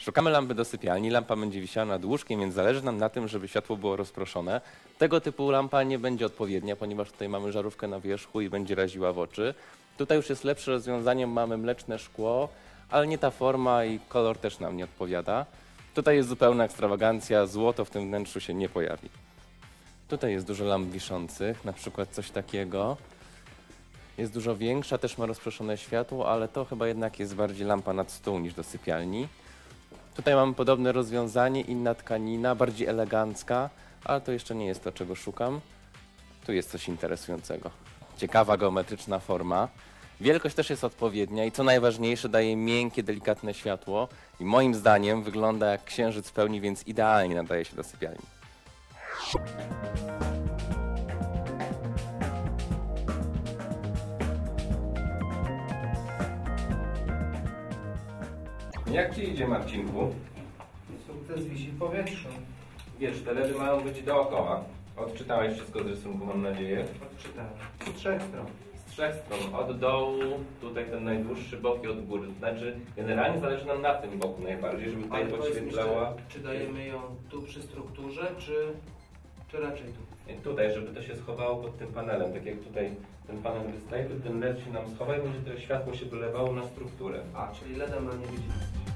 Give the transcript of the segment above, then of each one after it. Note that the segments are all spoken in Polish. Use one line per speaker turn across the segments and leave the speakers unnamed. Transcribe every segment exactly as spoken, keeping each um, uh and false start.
Szukamy lampy do sypialni, lampa będzie wisiała nad łóżkiem, więc zależy nam na tym, żeby światło było rozproszone. Tego typu lampa nie będzie odpowiednia, ponieważ tutaj mamy żarówkę na wierzchu i będzie raziła w oczy. Tutaj już jest lepsze rozwiązanie, mamy mleczne szkło, ale nie ta forma i kolor też nam nie odpowiada. Tutaj jest zupełna ekstrawagancja, złoto w tym wnętrzu się nie pojawi. Tutaj jest dużo lamp wiszących, na przykład coś takiego. Jest dużo większa, też ma rozproszone światło, ale to chyba jednak jest bardziej lampa nad stół niż do sypialni. Tutaj mamy podobne rozwiązanie, inna tkanina, bardziej elegancka, ale to jeszcze nie jest to, czego szukam. Tu jest coś interesującego. Ciekawa geometryczna forma. Wielkość też jest odpowiednia i co najważniejsze daje miękkie, delikatne światło i moim zdaniem wygląda jak księżyc w pełni, więc idealnie nadaje się do sypialni. Jak ci idzie, Marcinku?
Sukces wisi w powietrzu.
Wiesz, te ledy mają być dookoła. Odczytałeś wszystko z rysunku, mam nadzieję.
Odczytałem. Z trzech stron.
Z trzech stron. Od dołu, tutaj ten najdłuższy bok i od góry. To znaczy, generalnie zależy nam na tym boku najbardziej, żeby tutaj
Ale
podświetlała.
mi, czy, czy dajemy ją tu przy strukturze, czy, czy raczej tu?
I tutaj, żeby to się schowało pod tym panelem. Tak jak tutaj ten panel wystaje, to ten led się nam schowa i będzie to światło się wylewało na strukturę.
A, czyli ledem na nie widzimy.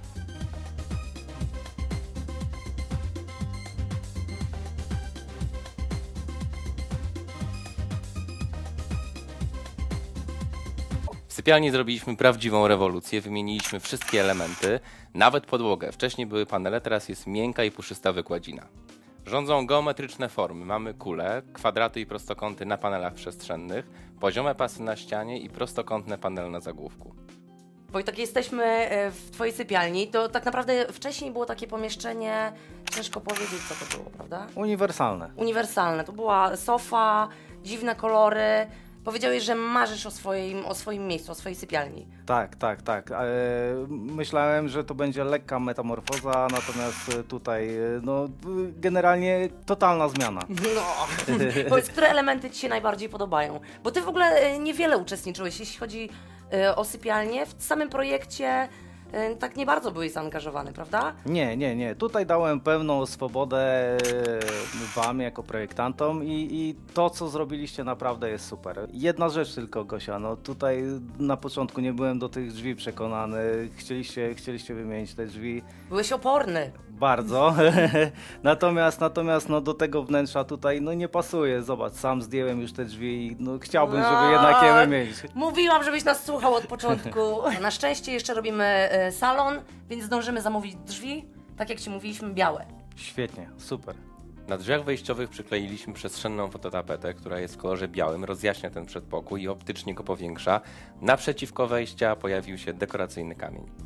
W sypialni zrobiliśmy prawdziwą rewolucję, wymieniliśmy wszystkie elementy, nawet podłogę. Wcześniej były panele, teraz jest miękka i puszysta wykładzina. Rządzą geometryczne formy. Mamy kule, kwadraty i prostokąty na panelach przestrzennych, poziome pasy na ścianie i prostokątne panele na zagłówku.
Wojtek, jesteśmy w twojej sypialni. To tak naprawdę wcześniej było takie pomieszczenie, ciężko powiedzieć, co to było, prawda?
Uniwersalne.
Uniwersalne. To była sofa, dziwne kolory. Powiedziałeś, że marzysz o swoim, o swoim miejscu, o swojej sypialni.
Tak, tak, tak. E, myślałem, że to będzie lekka metamorfoza, natomiast tutaj no, generalnie totalna zmiana.
No, powiedz, które elementy ci się najbardziej podobają? Bo ty w ogóle niewiele uczestniczyłeś, jeśli chodzi o sypialnię. W samym projekcie tak nie bardzo byłeś zaangażowany, prawda?
Nie, nie, nie. Tutaj dałem pełną swobodę wam jako projektantom i, i to, co zrobiliście, naprawdę jest super. Jedna rzecz tylko, Gosia, no tutaj na początku nie byłem do tych drzwi przekonany. Chcieliście, chcieliście wymienić te drzwi.
Byłeś oporny.
Bardzo. natomiast natomiast no, do tego wnętrza tutaj no, nie pasuje. Zobacz, sam zdjąłem już te drzwi i no, chciałbym, żeby jednak je wymienić.
Mówiłam, żebyś nas słuchał od początku. Na szczęście jeszcze robimy y, salon, więc zdążymy zamówić drzwi, tak jak ci mówiliśmy, białe.
Świetnie, super.
Na drzwiach wejściowych przykleiliśmy przestrzenną fototapetę, która jest w kolorze białym, rozjaśnia ten przedpokój i optycznie go powiększa. Naprzeciwko wejścia pojawił się dekoracyjny kamień.